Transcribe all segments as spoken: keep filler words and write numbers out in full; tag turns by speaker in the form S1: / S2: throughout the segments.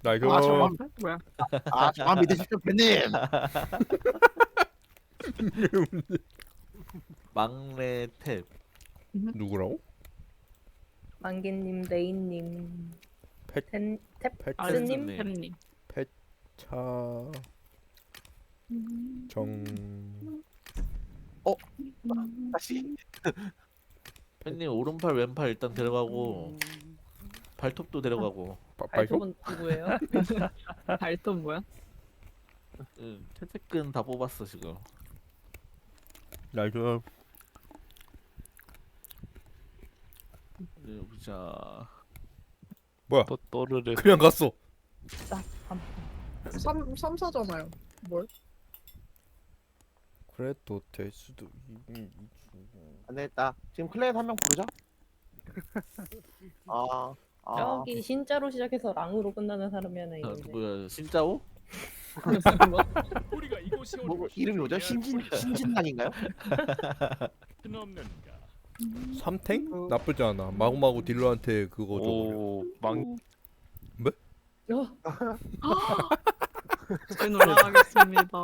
S1: 나이스.
S2: 아 저만 뭐야?
S3: 아 저만 믿으십시오 팬님.
S4: 막내 탭.
S1: 누구라고?
S5: 만개님, 레인님,
S1: 펫-
S5: 텐,
S1: 펫-
S5: 탭스님,
S4: 네.
S2: 팬님.
S1: 차 정.
S3: 다시.
S4: 팬님 오른팔 왼팔 일단 데려가고 발톱도 데려가고.
S1: 바- 발톱?
S5: 발톱은 누구예요?
S2: 발톱 뭐야?
S4: 응, 퇴퇴근 다 뽑았어 지금.
S1: 나이스.
S4: 네, 보자.
S1: 뭐야?
S6: 또 또르르.
S1: 그냥 갔어.
S2: 삼 삼사잖아요. 뭘?
S1: 그래도 될 수도. 이-
S3: 안 되겠다. 지금 클랜 한 명 부르자. 아. 아.
S5: 저기 신자로 시작해서 랑으로 끝나는 사람이 하나
S4: 아,
S5: 있는데.
S4: 뭐야 신짜오?
S7: 우리가 이곳에 온
S3: 뭐
S7: 것이
S3: 이름이 뭐죠? 신진 신진당인가요?
S7: 뜻은 없는가?
S1: 삼탱? 나쁘지 않아. 마구마구 딜러한테 그거 줘.
S6: 오망
S5: 어,
S2: 잘 놀아가겠습니다.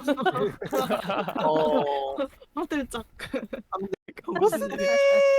S3: 어.
S2: 화들짝.
S3: 무슨 일이?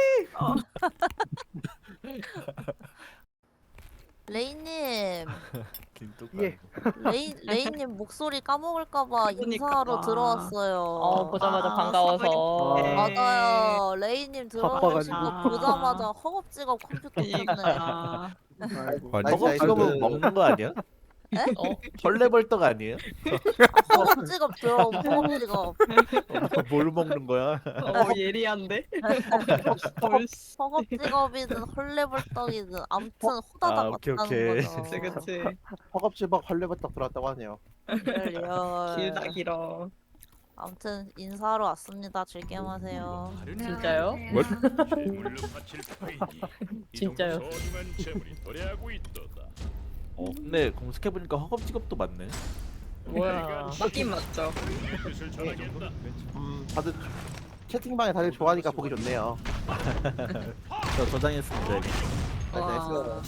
S8: 레이님,
S4: 김뚝.
S3: 예.
S8: 레이 레이님 목소리 까먹을까봐 인사하러
S2: 그러니까.
S8: 들어왔어요.
S5: 어 보자마자
S2: 아,
S5: 반가워서.
S2: 네.
S8: 맞아요. 레이님 들어오시고
S2: 바빠가지고.
S8: 보자마자 허겁지겁 컴퓨터 켰네.
S2: 아,
S3: 아이고.
S1: 아니,
S3: 나이스,
S4: 저거
S3: 나이스.
S4: 지금은 먹는 거 아니야?
S5: 어,
S4: 헐레벌떡 아니에요?
S8: 허겁지겁 들어온 허겁지겁.
S4: 뭘 먹는 거야?
S2: 어 예리한데. 벌써.
S8: 허겁지겁이든 헐레벌떡이든 아무튼
S4: 아,
S8: 호다닥
S4: 오케이,
S8: 왔다는
S4: 오케이.
S8: 거죠.
S2: 그치 그치.
S3: 허겁지겁 헐레벌떡 들어왔다고 하네요.
S8: 리얼.
S2: 길다 길어.
S8: 아무튼 인사하러 왔습니다. 즐겜하세요.
S5: 진짜요?
S7: 재물로 바칠 터이니 이
S5: 진짜요?
S7: 정도 소중한 재물이 도래하고 있도다.
S4: 어, 근데 검색해 보니까 허겁지겁도 맞네.
S5: 뭐야?
S2: 맞긴 맞죠.
S7: 내 뜻을 전하겠다.
S3: 음 다들 채팅방에 다들 좋아하니까 보기 좋네요.
S4: 저 저장했습니다. 이거.
S2: 와.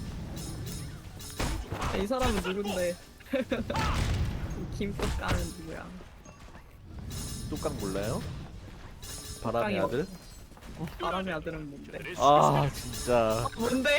S2: 이 사람은 누군데? 김꽃가는 누구야?
S4: 뚝강 몰라요? 바람의
S2: 뚝강이
S4: 아들?
S2: 바람의 아들은 뭔데?
S4: 아 진짜.
S2: 뭔데?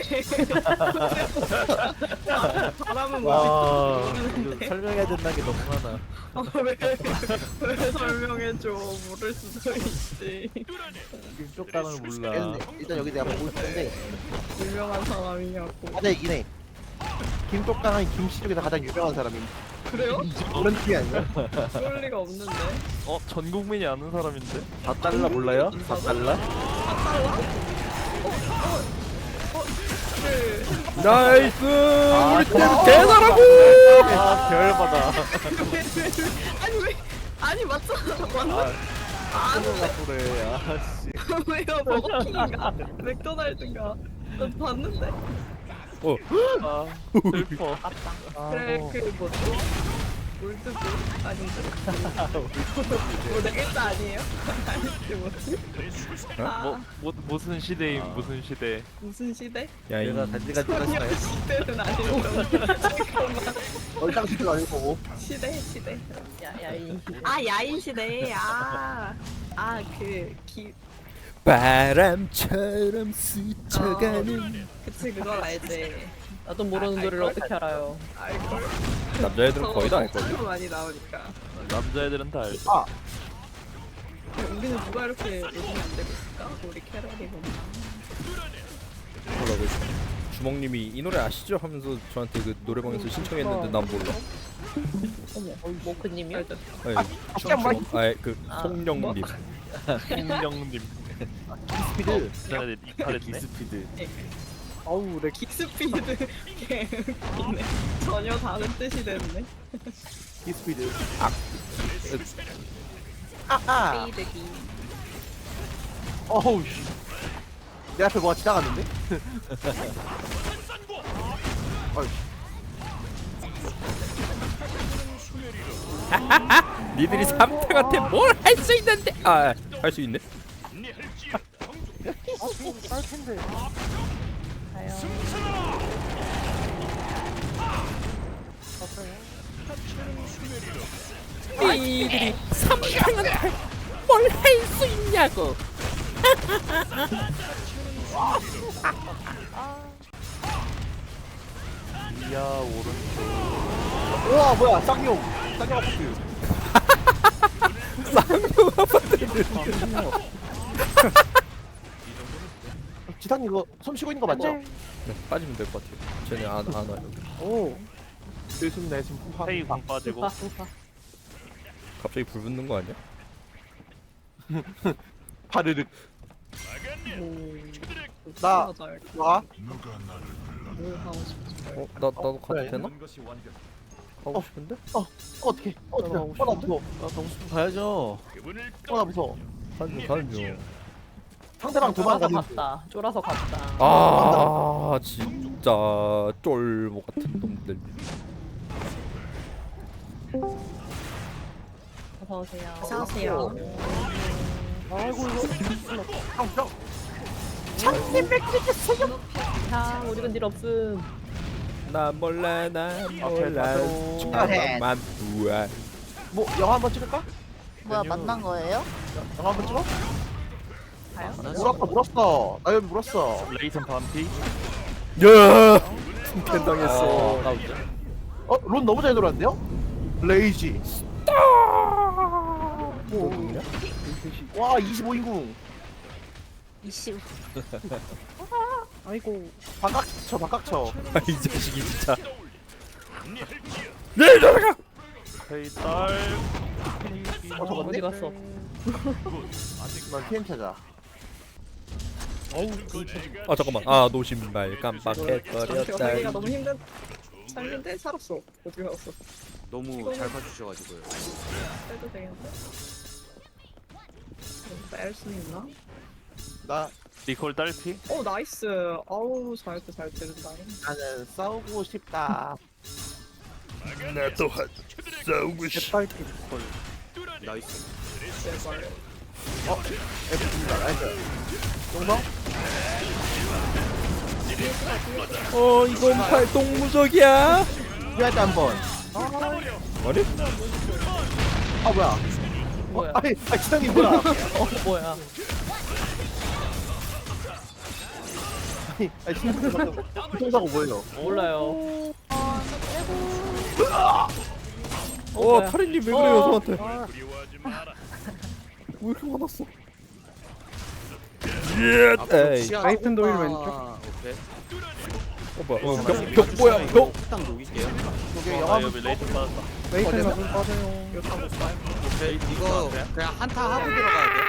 S2: 바람은
S4: 와
S2: 뭔지
S4: 이거 설명해야 된다는 게 너무 많아.
S2: 아, 왜, 왜 설명해줘? 모를 수도 있지.
S4: 김뚝강을 몰라.
S3: 일단, 일단 여기 내가 보고 있는데
S2: 유명한 사람이냐고.
S3: 가장 이기네. 김똑강은 김씨 중에서 가장 유명한 사람임.
S2: 그래요?
S3: 그런 팀이 아니야?
S2: 그럴 리가 없는데.
S6: 어 전 국민이 아는 사람인데.
S4: 사 달러 몰라요? 사 달러?
S2: 아, 달라? 어? 어? 어? 그...
S1: 나이스. 우리 팀
S3: 아,
S1: 대단하고.
S4: 아 별받아.
S2: 아니 왜? 아니 맞잖아. 맞나?
S4: 아 그래. 아씨.
S2: 왜요? 버거킹인가? 맥도날드인가? 나 봤는데.
S1: 어.
S6: 아 슬퍼.
S2: 그래 그 뭐지? 올드브 아닌데? 뭐네 글자 아니에요? 아니지 뭐지? 아,
S6: 뭐, 뭐 무슨 시대임 무슨 시대.
S2: 무슨 시대?
S1: 야, 이
S4: 내가 간지간지하시나요?
S2: 시대는 아니고 잠깐만.
S3: 얼짱시도 아니고.
S2: 시대 시대.
S5: 야, 야, 이.
S2: 아 야인 시대. 아아그기
S1: 바람처럼 스쳐가는
S2: 그치 그걸 알지.
S5: 나도 모르는
S2: 아,
S5: 노래를
S2: 알걸?
S5: 어떻게 알아요?
S2: 알걸.
S1: 남자애들은 거의 다 알걸.
S2: 너무 많이 나오니까.
S6: 남자애들은 다 알죠.
S3: 아
S2: 우리는 누가 이렇게 요즘에 안 되고 있을까? 우리 캐럴이 보면.
S1: 뭐라고 했어? 주먹님이 이 노래 아시죠? 하면서 저한테 그 노래방에서 신청했는데 난 몰라.
S5: 어머, 모크님이요?
S2: 알죠?
S1: 아니,
S3: 진짜 뭐-
S1: 아니 그
S5: 아,
S1: 송영님.
S6: 홍영님.
S3: 스피드.
S6: 남자애들 이탈했네.
S4: 기스피드.
S3: 어우 내
S2: 킥스피드 개 웃기네. 전혀 다른 뜻이 됐네.
S3: 키스피드.
S5: 스피드기.
S3: 어우 씨. 내 앞에 뭐가 지나갔는데? 어이.
S1: 니들이 삼탱한테 뭘 할 수 있는데? 아, 할 수 있네.
S3: 할 텐데.
S1: 너희들이 삼강한테 뭘 할 수 있냐고.
S6: 이야 오른쪽.
S3: 우와 뭐야 쌍용 쌍용 아파트 지상님 이거 숨 쉬고 있는 거 맞죠?
S1: 네, 빠지면 될 것 같아요. 쟤네 안, 안 와요.
S3: 오 들숨네 지금 푸파
S6: 페이 공 빠지고.
S5: 우파 우파.
S1: 갑자기 불 붙는 거 아니야?
S3: 파르륵
S2: 오.
S3: 나
S2: 맞아.
S3: 와?
S2: 뭘 하고 싶지?
S1: 어? 나, 나도 가도
S3: 그래.
S1: 되나?
S7: 것이 완벽.
S1: 가고
S3: 어.
S1: 싶은데?
S3: 어 어떡해 어떡해
S1: 하고
S3: 어나 무서워
S4: 나 정수품 가야죠.
S7: 그분을
S3: 어나 무서워
S1: 가는 중 가는 중.
S3: 상대방
S5: 쫄아서
S3: 도망가는
S5: 갔다. 쫄아서 갔다.
S1: 아 진짜 쫄보 같은 놈들.
S5: 어서 오세요.
S2: 어서 오세요.
S3: 아이고 이거 형
S5: 자, 우리는 일 없음.
S1: 나 몰라 나 몰라
S3: 가도.
S1: 잠깐만 우아.
S3: 뭐 영화 한번 찍을까?
S8: 뭐야 만난 거예요?
S3: 영화 한번 찍어?
S5: 가요?
S3: 물었어 물었어 나 여기 물었어
S6: 레이튼 반피.
S1: 야! 팬당했어.
S4: 나 운전.
S3: 어? 론 너무 잘 돌았는데요? 레이지
S1: 뭐 있냐?
S3: 와 이십오 인궁
S8: 이씨
S2: 아이고.
S3: 바깥쳐 바깥쳐
S1: 아이 자식이 진짜. 네 돌아가.
S6: 페이 딸.
S3: 어 저건데?
S5: 어디 갔어?
S3: 난 티엠 찾아
S1: 아 잠깐만. 아 노신발
S2: 저한테
S1: 깜빡해버렸다.
S2: 살기가 너무 힘든 삶인데 살았어. 어디 갔어?
S9: 너무 잘 봐주셔가지고요.
S2: 빼도 되겠는데? 뺄수 있나?
S3: 나
S6: 니콜 딸피.
S2: 오 나이스. 아우 잘했다 잘 때린다.
S3: 나는 싸우고 싶다
S1: 나 또한 싸우고 싶어.
S9: 나이스.
S2: 제발.
S3: F입니다 나이스 동성?
S1: 어 이건 팔동무적이야.
S3: 피할 때 한번
S1: 아니?
S3: 아 뭐야
S5: 뭐야?
S3: 아니 아 지상이 뭐야
S5: 어, 뭐야?
S3: 아니 아니 지상이 교통사고 뭐예요
S5: 몰라요.
S1: 어
S5: 뭐야?
S1: 카린님 왜 그래요 저한테?
S7: 두려워하지 마라.
S1: 왜 이렇게 화났어? 예.
S9: 앞으로
S1: 에이.
S9: 시야
S3: 라이튼 도일
S9: 아,
S3: 왼쪽.
S9: 오케이.
S1: 어 뭐야? 어, 벽, 벽 뭐야? 벽.
S9: 딱 녹일게요.
S3: 저기
S6: 아
S3: 영화
S6: 여기 레이튼 빠졌다.
S3: 레이튼
S2: 이거 타고 가요.
S9: 오케이. 이거 그냥 한타 하고 들어가야 돼.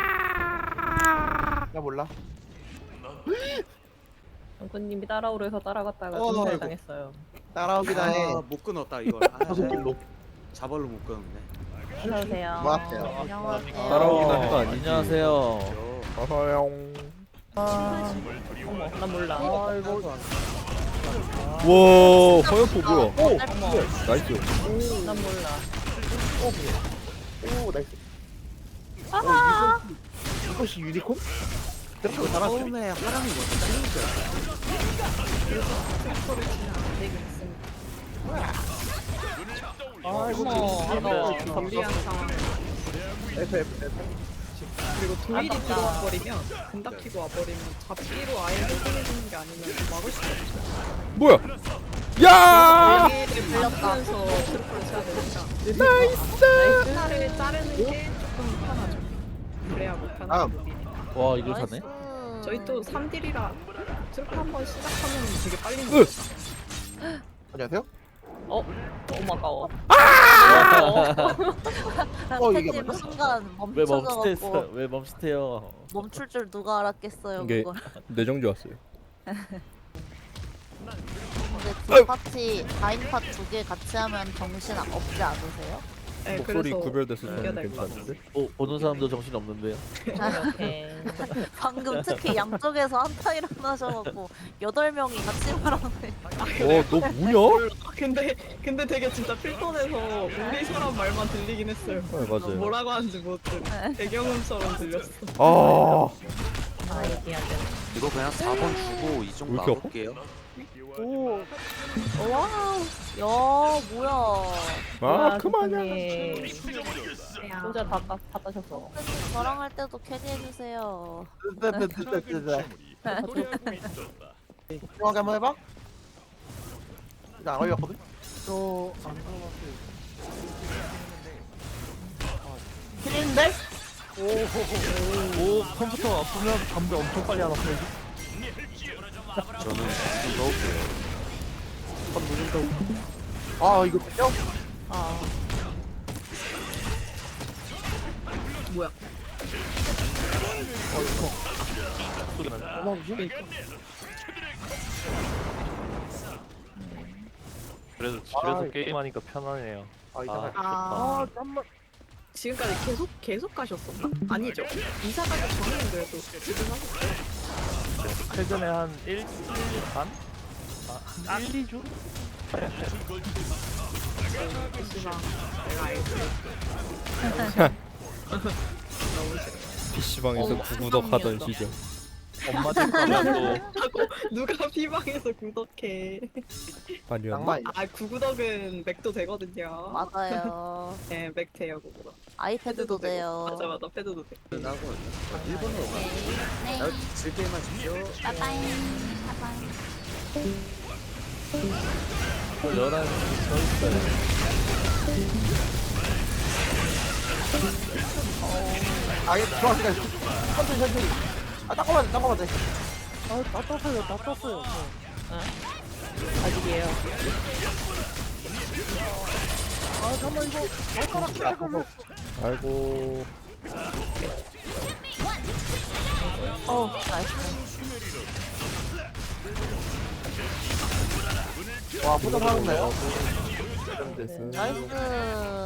S3: 나 몰라
S5: 장군님이 따라오려 해서 따라갔다가
S3: 어,
S5: 중살
S3: 아이고.
S5: 당했어요.
S3: 따라오기다 해
S9: 아, 못 끊었다 이걸. 아,
S3: 다섯 길로
S9: 자발로 못 끊었네.
S5: 어서 오세요.
S3: 고맙대요.
S8: 안녕하세요.
S1: 따라오기나 한 거 아니지?
S4: 안녕하세요.
S1: 어서용.
S5: 어머, 난 몰라.
S1: 와 화염포 뭐야?
S3: 오!
S1: 나이스.
S5: 난 몰라.
S3: 오 나이스 어, 이거, 이것이 유니콘? 그렇게 잘하지
S9: 처음에 하랑이 먼저 잘린 거야.
S3: 아이고
S5: 어머,
S2: 이거 유리한 상황.
S3: F F F
S2: 그리고 도일이
S5: 아깝다.
S2: 들어와 버리면 금닥 키고 와 버리면 잡기로 아예 해결해주는 게 아니면 막을 수가 없어.
S1: 뭐야? 야!
S2: 도일을 밟으면서 트루프를 쳐야 되니까. 나이스. 하나를 자르는 게 조금 편하죠. 그래야 못하는
S3: 아.
S2: 부분이니까.
S4: 와 이걸 사네.
S2: 저희 또 삼 딜이라 트루프 한 번 시작하면 되게 빨리
S1: 으!
S2: 먹어요.
S3: 안녕하세요?
S5: 어? 너무 아까워.
S3: 어, 이게
S8: 팬님
S3: 맞나?
S8: 순간
S4: 왜 멈칫했어?
S8: 멈춰져갖고
S4: 왜 멈칫해요?
S8: 멈출 줄 누가 알았겠어요
S1: 이게
S8: 그걸.
S1: 내정지 왔어요.
S8: 근데 두 파티 다인팟 두 개 같이 하면 정신 없지 않으세요?
S2: 네,
S1: 목소리
S2: 그래서
S1: 구별돼서
S2: 이겨야
S1: 저는
S2: 될것
S1: 괜찮은데.
S4: 어, 보는 사람도 정신 없는데요.
S5: 이렇게.
S8: 방금 특히 양쪽에서 한타 일어나셔갖고 여덟 명이 같이 말하네.
S1: 어너 뭐냐?
S2: 근데 근데 되게 진짜 필톤에서 우리 사람 말만 들리긴 했어요.
S1: 네 맞아요.
S2: 뭐라고 하는지 못 들어. 배경음처럼 들렸어.
S1: 아
S5: 아, 얘기해야 돼.
S9: 이거 그냥 사 번 주고 이 정도
S1: 왜 이렇게 아파?
S9: 막을게요.
S3: 오
S8: 와우. 야 뭐야.
S1: 아 그만해.
S5: 혼자 다, 까- 다 따셨어.
S8: 저랑 할 때도 캐리해주세요.
S3: 됐다 됐다 됐다
S7: 괴물이 도래하고 있었다.
S3: 중앙에 한번 해봐. 이거 안 걸렸거든? 저안 들어봤어요. 힐인데?
S4: 오 컴퓨터 아프면 담배 엄청 빨리 안 아파요.
S6: 저는 좀 넣을게요.
S3: 아 이거 뼈?
S5: 아,
S2: 뭐야?
S3: 고마우지?
S6: 그래도 집에서 게임하니까 편하네요.
S3: 아 이상하다.
S6: 아,
S2: 아,
S3: 아 잠만.
S2: 지금까지 계속 계속 가셨었나? 아니죠. 이사 가기 전에는 그래도 지금 하셨어요.
S6: 최근에 한 일주일 반? 아, 한 일, 이 주?
S2: 씨발, 내가 알지. 너무 싫어.
S1: 피시방에서
S5: 어,
S1: 구구덕 하던
S5: 세상이었다.
S1: 시절.
S6: 엄마 집 가면
S2: 누가 피방에서 구독해?
S1: 아니었나?
S3: 낭만.
S2: 아 구구덕은 맥도 되거든요.
S8: 맞아요.
S2: 네, 맥 돼요 구구덕.
S8: 아이패드도 돼요.
S2: 맞아 맞아 패드도 돼.
S9: 나고 일본으로 가.
S8: 네.
S9: 나 즐길 마십시오.
S8: 빠빠이. 빠빠이.
S4: 열한 시 서 있어요.
S3: 아 이거 중앙까지 천천히 천천히. 아 닦아봐 돼 닦아봐 돼. 아나 떴어요 나 떴어요.
S2: 아직이에요.
S3: 아 잠만 이거 발가락 깎아봐.
S1: 아이고.
S8: 어 나이스.
S3: 와 포장 하는데요?
S1: 됐어.
S8: 나이스.